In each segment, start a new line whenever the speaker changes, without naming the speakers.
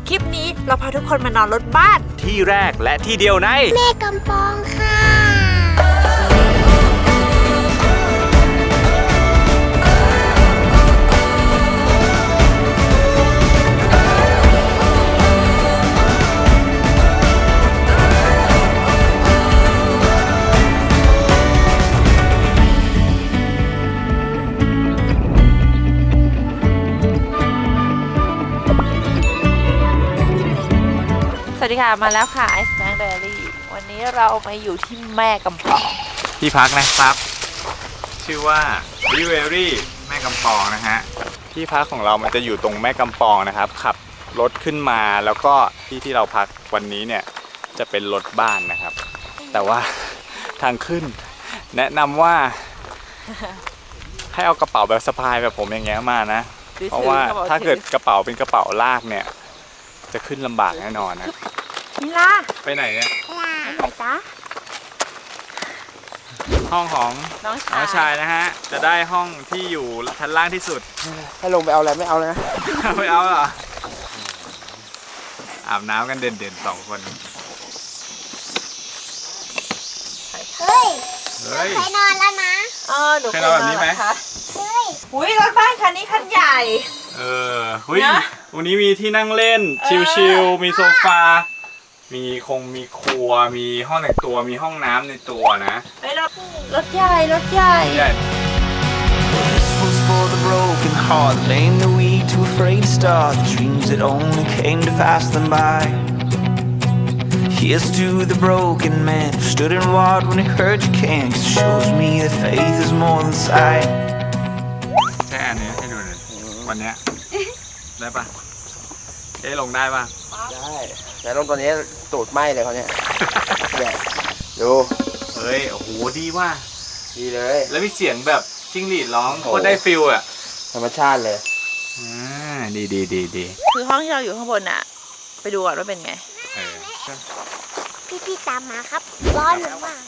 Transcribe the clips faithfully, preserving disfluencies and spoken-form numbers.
คลิปนี้เราพาทุกคนมานอนรถบ้าน
ที่แรกและที่เดียวใน
แม่กำปองค่ะ
สวัสดีค่ะมาแล้วค่ะไอซ์แมงเดลี่วันนี้เรามาอยู่ที่แม่กำปอง
ที่พักนะครับชื่อว่าริเวอรี่แม่กำปองนะฮะที่พักของเรามันจะอยู่ตรงแม่กำปองนะครับขับรถขึ้นมาแล้วก็ที่ที่เราพักวันนี้เนี่ยจะเป็นรถบ้านนะครับแต่ว่าทางขึ้นแนะนำว่าให้เอากระเป๋าแบบสะพายแบบผมอย่างเงี้ยมานะเพราะว่าถ้าเกิดกระเป๋าเป็นกระเป๋าลากเนี่ยจะขึ้นลำบากแน่นอนนะ
นี่ล่ะ
ไปไหนเนี่ย
ไปไหนจ๊ะ
ห้องของ
น้องชาย
น้องชายนะฮะจะได้ห้องที่อยู่ชั้นล่างที่สุด
ให้ลงไปเอาอะไรไม่เอาเลยนะ
ไม่เอาเหรออาบน้ำกันเด่นๆสองคน
เฮ้ยเคยนอนแล้วนะ
เออหนู
เคยนอนแบบนี้ไหม
เฮ้ย
อุ้ยรถบ้านคันนี้คันใหญ่
เออหุ้ยวันนี้มีที่นั่งเล่นชิลๆมีโซฟามีคงมีครัวมีห้องแต่งตัวมีห้องน้ำในตัวนะ
ไปรถรถใหญ่รถใหญ่
This was for the broken heart, the lame, the weak, too afraid to start, the dreams that only came to pass them by. Here's to the broken man who stood and walked when he heard you can't, 'cause it shows me that faith is more than sight.
แค่อันนี้ให้ดูหน่อยวันนี้ได้ปะเอ๊ะลงได้ปะ
ได้แต่ลงตอนนี้ตูดไหม้เลยเขาเนี่ยเนี่ยดู
เฮ้ยโอ้โหดีว่ะ
ดีเลย
แล้วมีเสียงแบบจิ้งหรีดร้องโคตรได้ฟิลอ่ะ
ธรรมชาติเลย
อ่าดีดีดีดี
คือห้องที่เราอยู่ข้างบนน่ะไปดูก่อนว่าเป็นไง
พี่พี่ตามมาครับร้อนมาก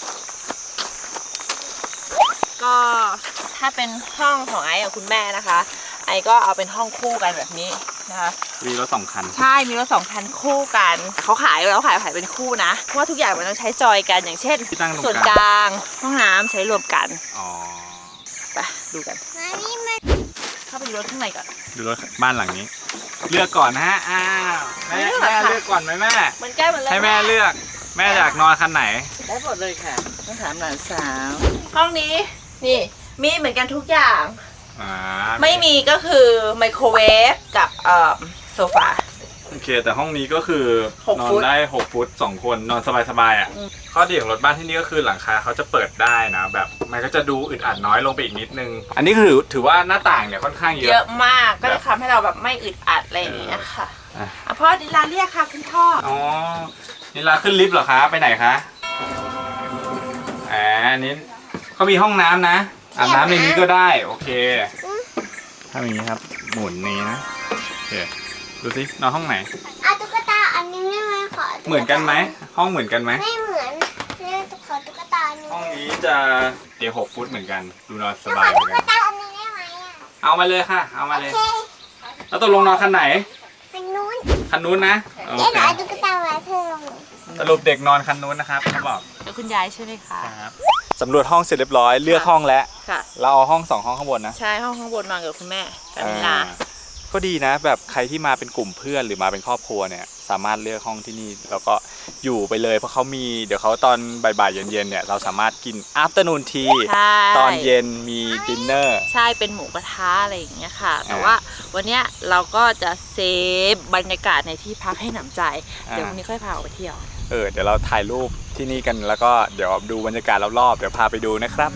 ก็ถ้าเป็นห้องของไอซ์กับคุณแม่นะคะไอซ์ก็เอาเป็นห้องคู่กันแบบนี้นะคะ
มีรถสองคัน
ใช่มีรถสองคันคู่กันเขาขายแล้วขายขายเป็นคู่นะเพราะว่าทุกอย่างมันต้องใช้จอยกันอย่างเช่นส่วนกลางห้องน้ำใช้รวมกัน
อ๋อ
ไปดูกันเข้าไปดูรถข้างในก่อน
ดูรถบ้านหลังนี้เลือกก่อนนะฮะอ้าวแม่แม่เลือกก่อนไหมแม่
มันใกล้หมดแล้ว
ให้แม่เลือกแม่อยากนอนคันไหน
ได้หมดเลยค่ะต้องถามหลานสาวห้องนี้นี่มีเหมือนกันทุกอย่างไม่มีก็คือไมโครเวฟกับโซฟา
โอเคแต่ห้องนี้ก็คือนอนได้หกฟุตสองคนนอนสบายๆอ่ะข้อดีของรถบ้านที่นี่ก็คือหลังคาเขาจะเปิดได้นะแบบมันก็จะดูอึดอัดน้อยลงไปอีกนิดนึงอันนี้คือถือว่าหน้าต่างเนี่ยค่อนข้างเยอะ
เยอะมากก็จะทำให้เราแบบไม่อึดอัดอะไรอย่างเงี้ยค่ะพ่อดิลาเรียกค่ะคุณพ่อ
อ๋อดิลาขึ้นลิฟต์เหรอคะไปไหนคะอ่าอันนี้เขามีห้องน้ำนะอาบน้ำในนี้ก็ได้โอเคถ้าอย่างนี้ครับหมุนนี้นะโอเคดูสินอนห้องไหน
อ่ะตุ๊กตาอันนี้ไม่ไหมขอ
เหมือนกันไหมห้องเหมือนกันไหม
ไม่เหมือนเรื่องขอตุ๊กตานี้
ห้องนี้จะเดี๋ยวหกฟุตเหมือนกันดูนอนสบาย
เหมือนกันตุ๊กตาอันนี้ได้ไหมอ่ะ
เอามาเลยค่ะเอามาเลยแล้วตกลงนอนคันไหน
คันนู้น
คันนู้นนะ
โอเคตุ๊กตาไว้เธอลง
สรุปเด็กนอนคันนู้นนะครับเขาบอก
แล้วคุณยายใช่ไหมคะ
ครับสำรวจห้องเสร็จเรียบร้อยเลือกห้องแล้วเราเอาห้องสองห้องข้างบนนะ
ใช่ห้องข้างบนนอนกับคุณแม่กับนิลา
ก็ดีนะแบบใครที่มาเป็นกลุ่มเพื่อนหรือมาเป็นครอบครัวเนี่ยสามารถเลือกห้องที่นี่แล้วก็อยู่ไปเลยเพราะเขามีเดี๋ยวเขาตอนบ่ายๆเย็นๆเนี่ยเราสามารถกิน afternoon tea ตอนเย็นมีดินเนอร์
ใช่เป็นหมูกระทะอะไรอย่างเงี้ยค่ะแต่ว่าวันนี้เราก็จะเซฟบรรยากาศในที่พักให้หนำใจเดี๋ยววันนี้ค่อยพาออกไปเที่ยว
เออเดี๋ยวเราถ่ายรูปที่นี่กันแล้วก็เดี๋ยวดูบรรยากาศรอบๆเดี๋ยวพาไปดูนะครับ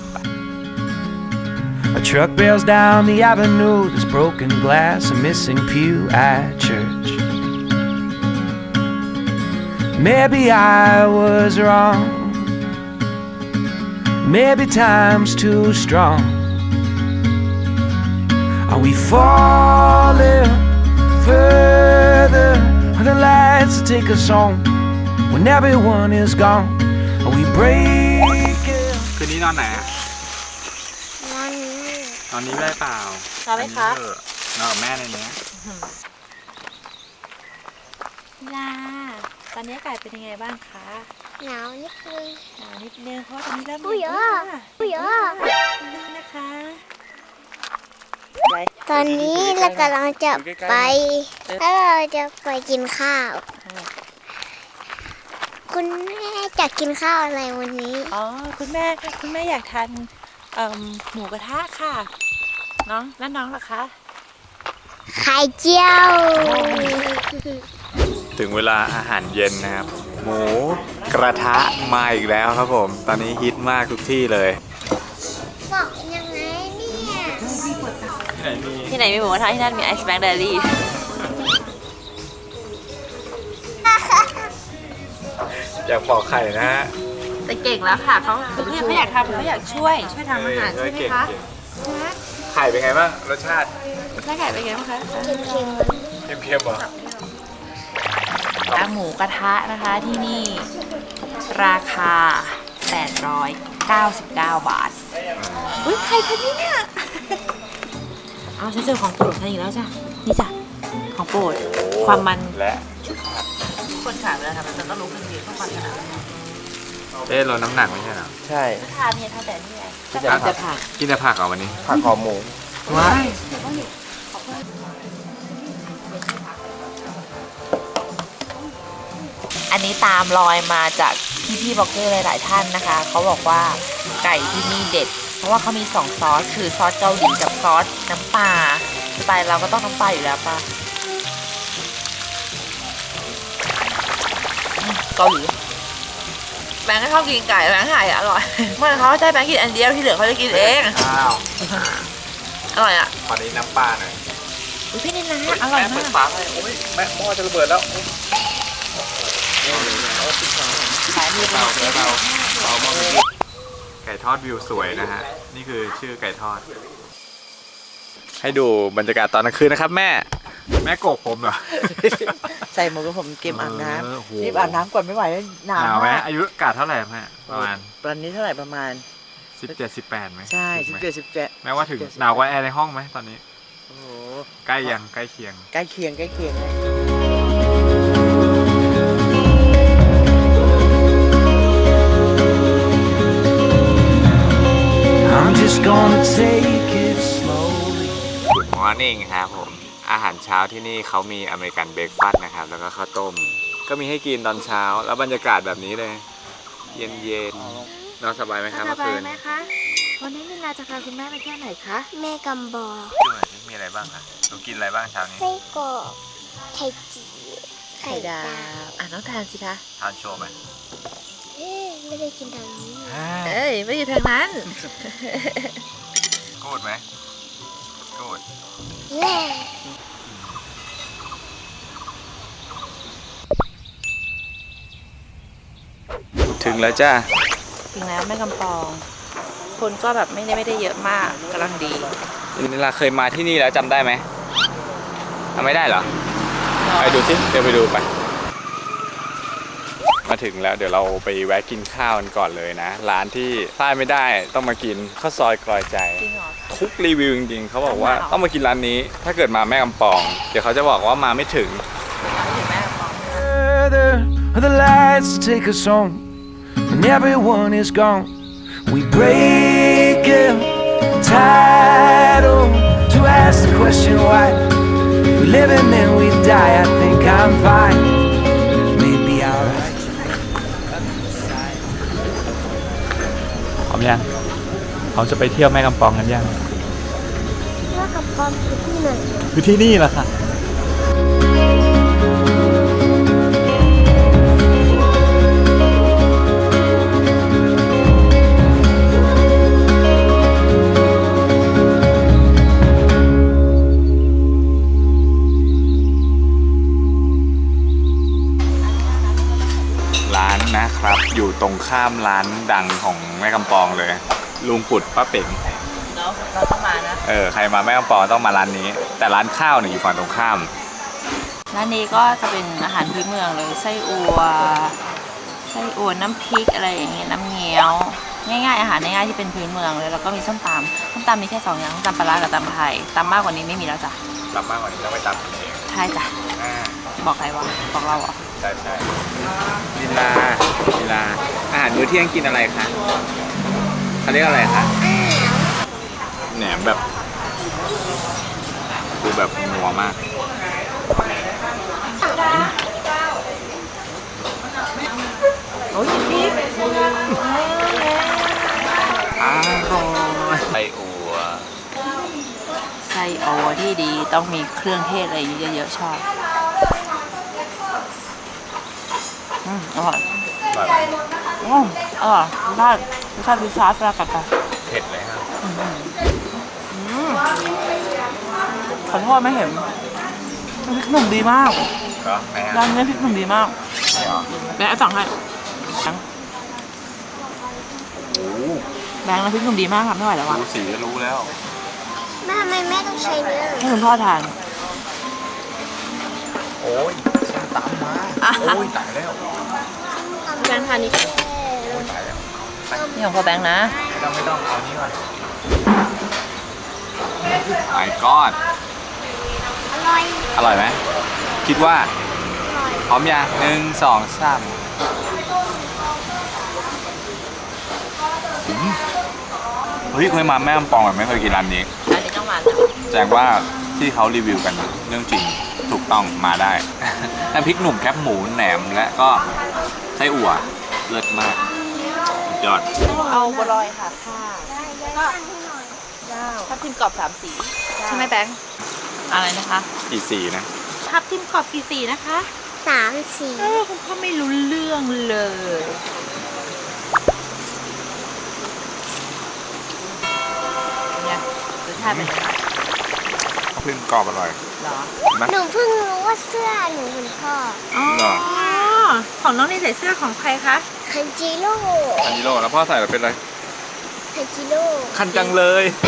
A truck bails down the avenue, there's broken glass, a missing pew at church. Maybe I was wrong, maybe time's too strong. Are we falling further? Are the lights that take us home when everyone is gone? Are we breaking?
คืนนี้นอนไหนอะ
นอนนี้
นอนนี้ได้เปล่า
นอนไหมคะ
นอนกับแม่ในนี้
นิลาตอนนี้อากาศเป็นยังไงบ้างคะ
หนาวนิดนึง
หนาวนิดนึงเพราะว่าตอนนี้เริ่ม
อุ้ย
เย็น
อ่ะ
แล้ว
อุ้ยอ่ะ
นี่นะคะไป
ตอนนี้เรากำลังจะไปแล้วเราจะไปกินข้าว คุณแม่จะกินข้าวอะไรวันนี้
อ๋อคุณแม่คุณแม่อยากทานเอ่อหมูกระทะค่ะน้องแล้วน้องล่ะคะ
ไข่เจียว
ถึงเวลาอาหารเย็นนะครับ หมูกระทะมาอีกแล้วครับผม ตอนนี้ฮิตมากทุกที่เลย
บอกยังไงเนี่ย
ที่ไหนมี
ที่ไหนมีหมูกระทะที่นั่นมีไอซ์แบงค์เดลี่
อยากปอกไข่นะฮะ
แต่เก่งแล้วค่ะเขาคือเขาอยากทำเขาอยากช่วยช่วยทำอาหารใช่ไหม
เก่ง
คะ
เก่งไข่เป็นไงบ้างรสชาติ
ใช่ไก่เป็นไงบ้างคะ
เค็ม
เค็มๆเหรอ
ร้านหมูกระทะนะคะที่นี่ราคา แปดร้อยเก้าสิบเก้า บาท อุ้ยใครคนนี้เนี่ย เอาฉันเจอของโปรดฉันอีกแล้วจ้ะ นี่จ้ะ ของโปรด ความมัน
และ
คนขายไปแล้วค่ะมันต้องรู้กันดีเพราะความขนาดนั้น
เอ๊ะเราน้ำหนักไม่ใช่เหรอ
ใช่
ทานเนี่ยทานแต่นี่ไง
กินแต่ผัก
จะผ่าน
กินแต่ผักเหรอวันนี้
ผักหอมหมู
ว้าย
อันนี้ตามรอยมาจากพี่พี่ๆบล็อกเกอร์หลายๆท่านนะคะ เขาบอกว่าไก่ที่นี่เด็ด เพราะว่าเขามีสองซอส คือซอสเกาหลีกับซอสน้ำปลาสไตล์เราก็ต้องน้ำปลาอยู่แล้วป่ะอืมเกาหลีแบงค์ก็ชอบกินไก่แบงค์ไก่อร่อยเมื่อเขาใจแบงค์กินอันเดียวที่เหลือเขาจะกินเอง
อ้าว
อร่อยอ่ะ
ตอนนี้น้ำปลาหน่อย
อุ๊ยพี่นินนะอร่อย
แม่เปิ
มา
ด
ก
ฝาให้โอ้ยแม่หม้อจะระเบิดแล้ว
ขายมือ
เบาเบาเบามาไก่ทอดวิวสวยนะฮะ นี่คือชื่อไก่ทอด ให้ดูบรรยากาศตอนกลางคืนนะครับแม่ แม่โกกผมเหรอ
ใส่หมวกกับผมเกมอาบน้
เออโห
ำรีบอาบน้ำก่อนไม่ไหวแล้วหนาว
หนาวไหม
มาก
อายุกาดเท่าไหร่แม่ประมาณ
ตอนนี้เท่าไหร่ประมาณ
สิบเจ็ด สิบแปดไหม
ใช่
ถึ
สิ
ง
บ
ไหม
เจ็ดสิบเจ็ด
แม้ว่าถึงหนาวกว่าแอร์ในห้องไหมตอนนี้
โอ้โห
ใกล้ยังใกล้เคียง
ใกล้เคียงใกล้เคียงเลย
I'm just gonna take it slowly.
Good morning ครับผม อาหารเช้าที่นี่เขามีอเมริกันเบรกฟาสต์นะครับ แล้วก็ข้าวต้ม ก็มีให้กินตอนเช้า แล้วบรรยากาศแบบนี้เลย เย็นเย็นๆนอนสบายไหมครับ
ส
เมื่อบ
าย
คืน
ไหมคะ วันนี้นิลาจะพาคุณแม่ไปเที่ยวไหนคะ
แม่กำบอก
ดูหน่อยสิมีอะไรบ้างอะหนูกินอะไรบ้างเช้านี้
ไส้กรอกไข่จีไข่
ไข่ดา
ดาว
วอ่ะน้องทานสิคะ
ทานโชว์ไหม
เอ๊ะไม่ได้กินทางนี้
เอ้ย ไม่อยู่ทางนั้น
กูดไหมกูด
แย่
ถึงแล้วจ้า
ถึงแล้วแม่กำปอง คนก็แบบไม่ได้ไม่ได้เยอะมากกำลังดี
นิลาเคยมาที่นี่แล้วจำได้ไหมจำไม่ได้เหรอ ไปดูสิเดี๋ยวไปดูไป มาถึงแล้วเดี๋ยวเราไปแวะกินข้าวกันก่อนเลยนะ ร้านที่พลาดไม่ได้ต้องมากินข้าวซอยกลอยใจ
จริงเหรอ
ทุกรีวิวจริงๆเขาบอกว่า
จริงเหรอ
ต้องมากินร้านนี้ ถ้าเกิดมาแม่กำปอง เดี๋ยวเขาจะบอกว่ามาไม่ถึง
ถึงแม่กำปอง
Further are the lights to take us home. When everyone is gone, we break a title to ask the question why. We live and then we die. I think I'm fine. Maybe I'll write you.
พร้อมยังเขาจะไปเที่ยวแม่กำปองกันยัง
แม่กำปองคือที่ไหน
คือที่นี่แหละค่ะ ร้านนะครับอยู่ตรงข้ามร้านดังของแม่กำปองเลย ลุงปุดป้าเป๋ง
เนาะเราต้องมานะ
เออใครมาแม่กำปองต้องมาร้านนี้ แต่ร้านข้าวเนี่ยอยู่ฝั่งตรงข้าม
ร้านนี้ก็จะเป็นอาหารพื้นเมืองเลยไส้อัวไส้อัวน้ำพริกอะไรอย่างเงี้ยน้ำเงี้ยวง่ายๆอาหารง่ายๆที่เป็นพื้นเมืองเลยแล้วก็มีส้มตำส้มตำมีแค่สองอย่างส้มตำปลาร้ากับตำไทยตำมากกว่านี้ไม่มีแล้วจ้ะ
รับมากกว่านี้ต้องไปตัดเอง
ใช่จ้ะ
อ่า
บอกใครวะบอกเราเหรอ
ใช่ใช่ลีลาลีลาอาหารมื้อเที่ยงกินอะไรคะเขาเรียกอะไรคะแหนมแบบดูแบบนัวมาก
โอ้ยพี่
อร่อยไส้อั่ว
ไส้โอที่ดีต้องมีเครื่องเทศอะไรเยอะๆชอบอืมอร่อย
อร่อยไหม
อืมอร่อยรสชาติรสชาติพิซซ่าสลัดกันไป
เผ็ดเลยครับ
ขอโทษไม่เห็นพริกหนุ่มดีมาก
ก็แม่
ร้านนี้พริกหนุ่มดีมาก
ไม่เหรอ
แบงค์เอาสั่งให้แบงค์
โอ้โห
แบงค์น้ำพริกหนุ่มดีมากครับไม่ไหวแล้วอ่ะ
ดูสีก็รู้แล้ว
แม่ทำไมแม่ต้องใช้เนื้อ
ให้คุณพ่อทาน
โอ้ยส้มตำมาโอ้ยตายแล้ว
แบงค์ทานนี้
โอ้ยตายแล้ว
นี่ของพ่อแบงค์นะ
ไม่ต้องไม่ต้องเอานี้ก่อน My God
อร่อย
อร่อยไหมคิดว่า
อร่อย
พร้อมยังหนึ่งสองสามอืมเฮ้ยเคยมาแม่กำปองแบบไม่เคยกินร้านนี้
อันนี้ต้องมา
แสดงว่าที่เขารีวิวกันเรื่องจริงถูกต้องมาได้ น้ำพริกหนุ่มแคบหมูแหนมและก็ไส้อั่วเลิศมากสุดยอด
เอาบัวลอยค่ะค่ะก็ทับทิมกรอบสามสีใช่ไหมแบงค์อะไรนะคะ
กี่สีนะ
ทับทิมกรอบกี่สีนะคะ
สามสี
เออคุณพ่อไม่รู้เรื่องเลยเนี่ยรสชาติเป็นยังไง
พึ่งกรอบอร่อย
เหรอ
นะ
หนูเพิ่งรู้ว่าเสื้อหนูคุณพ่อ
อ๋อ
เหรอ
ของน้องนี่ใส่เสื้อของใครคะ
คันจิโร่
อันนี้โลแล้วพ่อใส่แล้วเป็นไร
คันจิโร่
คันจังเลย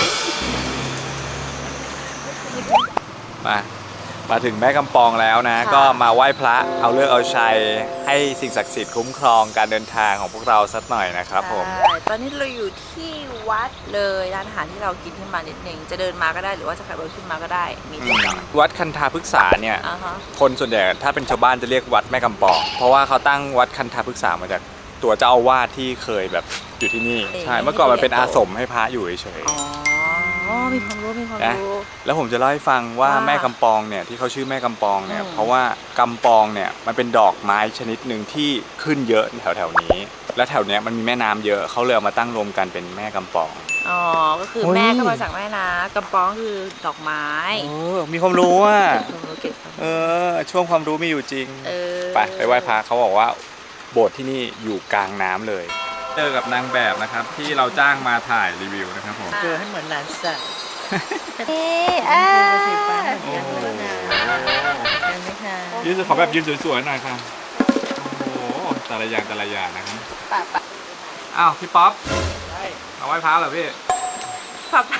มามาถึงแม่กำปองแล้วนะ
ค่ะ
ก็มาไหว้พระเอาเลิกษ์เอาชัยให้สิ่งศักดิ์สิทธิ์คุ้มครองการเดินทางของพวกเราสักหน่อยนะครับผม
ใช่ตอนนี้เราอยู่ที่วัดเลยร้านอาหารที่เรากินขึ้นมานิดนึงจะเดินมาก็ได้หรือว่าจะขับรถขึ้นมาก็ได้มีทุกอย่าง
วัดคันธาพฤกษาเนี่ย
อ่าฮะ
คนส่วนใหญ่ถ้าเป็นชาวบ้านจะเรียกวัดแม่กำปอง เพราะว่าเขาตั้งวัดคันธาพฤกษามาจากตัวเจ้าอาวาสที่เคยแบบอยู่ที่นี่ ใช่ เมื่อก่อนมันเป็นอาสมให้พระอยู่เฉย
อ๋อ มีความรู้ มีความ
นะ
รู้
แล้วผมจะเล่าให้ฟังว่า
ว่า
แม่กำปองเนี่ยที่เขาชื่อแม่กำปองเนี่ย
อืม
เพราะว่ากำปองเนี่ยมันเป็นดอกไม้ชนิดหนึ่งที่ขึ้นเยอะแถวแถวๆนี้ และแถวเนี้ยมันมีแม่น้ำเยอะเขาเลยเอามาตั้งรวมกันเป็นแม่กำปอง
อ๋อ ก็คือ
โอ้ย
แม่ก็มาจากแม่นะกำปองคือดอกไม้
เออมีความรู้อ่ะ
ความรู้เก็บความ
เออช่วงความรู้มีอยู่จริง
เออ
ไปไปไหว้พระเขาบอกว่าโบสถ์ที่นี่อยู่กลางน้ำเลยเจอกับนางแบบนะครับที่เราจ้างมาถ่ายรีวิวนะครับผม
เจอให้เหมือนหลานสัตว์
นี่อ่า
สีฟ้าเหมือน
โอ้
กัน
โห
เลยนะเห็นไหมคะ
ยืนขอแบบยืนสวยๆหน่อยครับโอ้โหแต่ละอย่างแต่ละอย่างนะครับ
ปะปะ
อ้าวพี่ป๊อปมาไหว้พระเหรอพี่
ปะปะ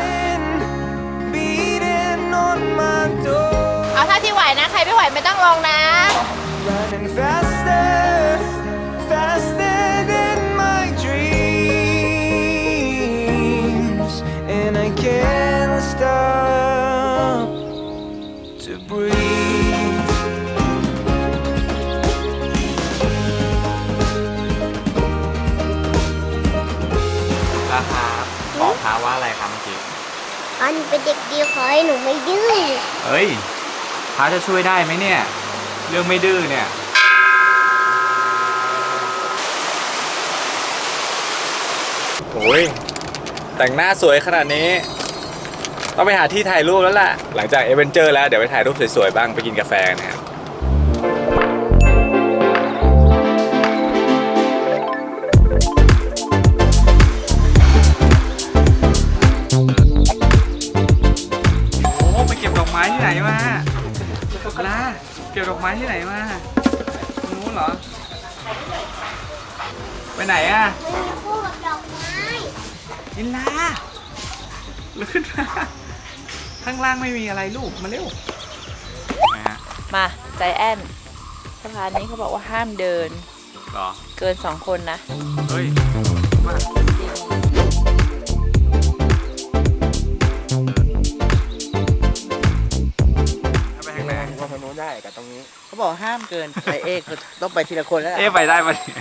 Beating on my door,
เอาถ้าที่ไหวนะ ใครไม่ไหวไม่ต้องลงนะ
running faster, faster than my dreams, and I can't stop to breathe.
ราคาขอท้าว่าอะไรครับเมื่อกี้
อันเป็นเด็กดีขอให้หนูไม่ดื้อ
เฮ้ยท้าจะช่วยได้ไหมเนี่ย เรื่องไม่ดื้อเนี่ย โอ้ยแต่งหน้าสวยขนาดนี้ ต้องไปหาที่ถ่ายรูปแล้วล่ะ หลังจากเอเวนเจอร์แล้วเดี๋ยวไปถ่ายรูปสวยๆบ้างไปกินกาแฟนะครับโอ้ไปเก็บดอกไม้ที่ไหนมาลาเก็บดอกไม้ที่ไหนมาตรงนู้นเหรอ ไปไหนอะ
พูดกับดอกไม้
นิลาลุกขึ้นมา ข้างล่างไม่มีอะไรลูก มาเร็วนะฮะ
มาใจแอนสะพานนี้เขาบอกว่าห้ามเดิน
หรอ
เกินสองคนนะ
เฮ้ยมาไปทางไหน
ว่าทางโน้นได้กับตรงนี้
บอกห้ามเกินไอเอกต้องไปทีละคนแล้วล่ะ
เอ๊ะไปได้ปะเนี่ย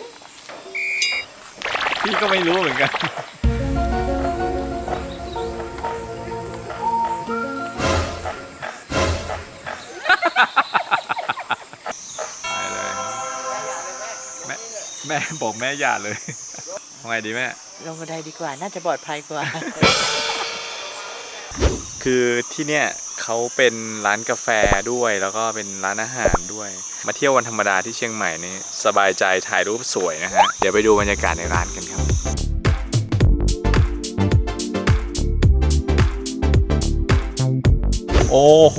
พี่ก็ไม่รู้เหมือนกันไปเลยแม่แม่บอกแม่อย่าเลยทำไงดีแม่
ลงบันไดดีกว่าน่าจะปลอดภัยกว่า
คือที่เนี่ยเขาเป็นร้านกาแฟด้วยแล้วก็เป็นร้านอาหารด้วยมาเที่ยววันธรรมดาที่เชียงใหม่นี่สบายใจถ่ายรูปสวยนะฮะเดี๋ยวไปดูบรรยากาศในร้านกันครับโอ้โห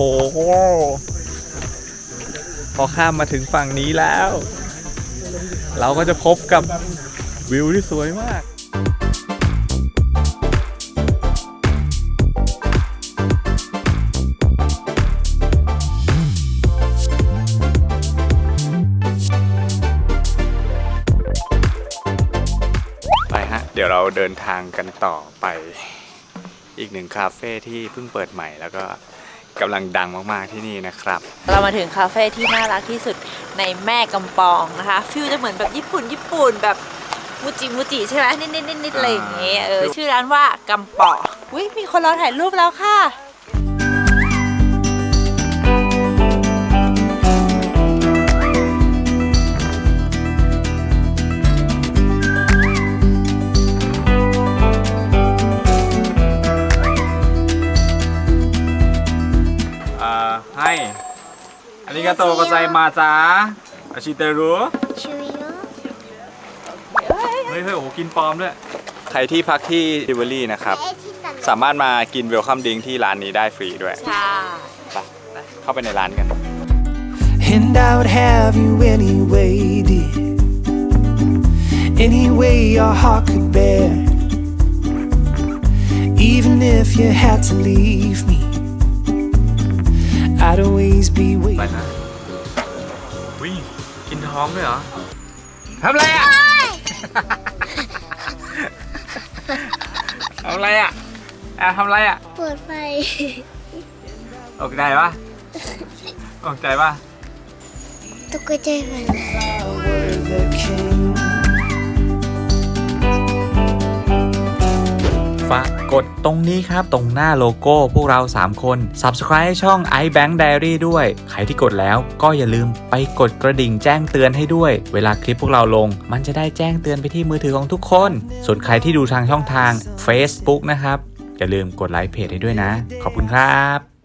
พอข้ามมาถึงฝั่งนี้แล้ว เราก็จะพบกับวิวที่สวยมากเดี๋ยวเราเดินทางกันต่อไปอีกหนึ่งคาเฟ่ที่เพิ่งเปิดใหม่แล้วก็กำลังดังมากๆที่นี่นะครับ
เรามาถึงคาเฟ่ที่น่ารักที่สุดในแม่กำปองนะคะฟิลจะเหมือนแบบญี่ปุ่นญี่ปุ่นแบบมูจิมูจิใช่ไหมนิดนิดนิดนิดอะไรอย่างเงี้ยเออชื่อร้านว่ากำปองอุ้ยมีคนรอถ่ายรูปแล้วค่ะ
ให้อาริกาโตโกไซมาจ้าอาชิเตรุ
ชิวิโนะ
เฮ้ยเฮ้ยโอ้โหกินปลอมด้วยใครที่พักที่ดิวเวอรี่นะครับ
ไอ้ที่ตัด
สามารถมากินเวลคัมดริงก์ที่ร้านนี้ได้ฟรีด้วย
ใช่
ไปเข้าไปในร้านกัน
And I would have you anyway, dear. Any way your heart could bear. Even if you had to leave me, I'd always be
ไป
waiting.
นะวิ่งกินท้องด้วยเหรอทำอะไรอ่ะ ทำอะไรอ่ะแอบทำอะไรอ่ะ
เปิดไฟ
ตกใจปะตกใจปะ
ตกใจไป
Were the king.
ฝากกดตรงนี้ครับ ตรงหน้าโลโก้พวกเราสามคน Subscribe ช่อง iBank Diary ด้วย ใครที่กดแล้วก็อย่าลืมไปกดกระดิ่งแจ้งเตือนให้ด้วย เวลาคลิปพวกเราลง มันจะได้แจ้งเตือนไปที่มือถือของทุกคน ส่วนใครที่ดูทางช่องทาง Facebook นะครับ อย่าลืมกดไลค์เพจให้ด้วยนะ ขอบคุณครับ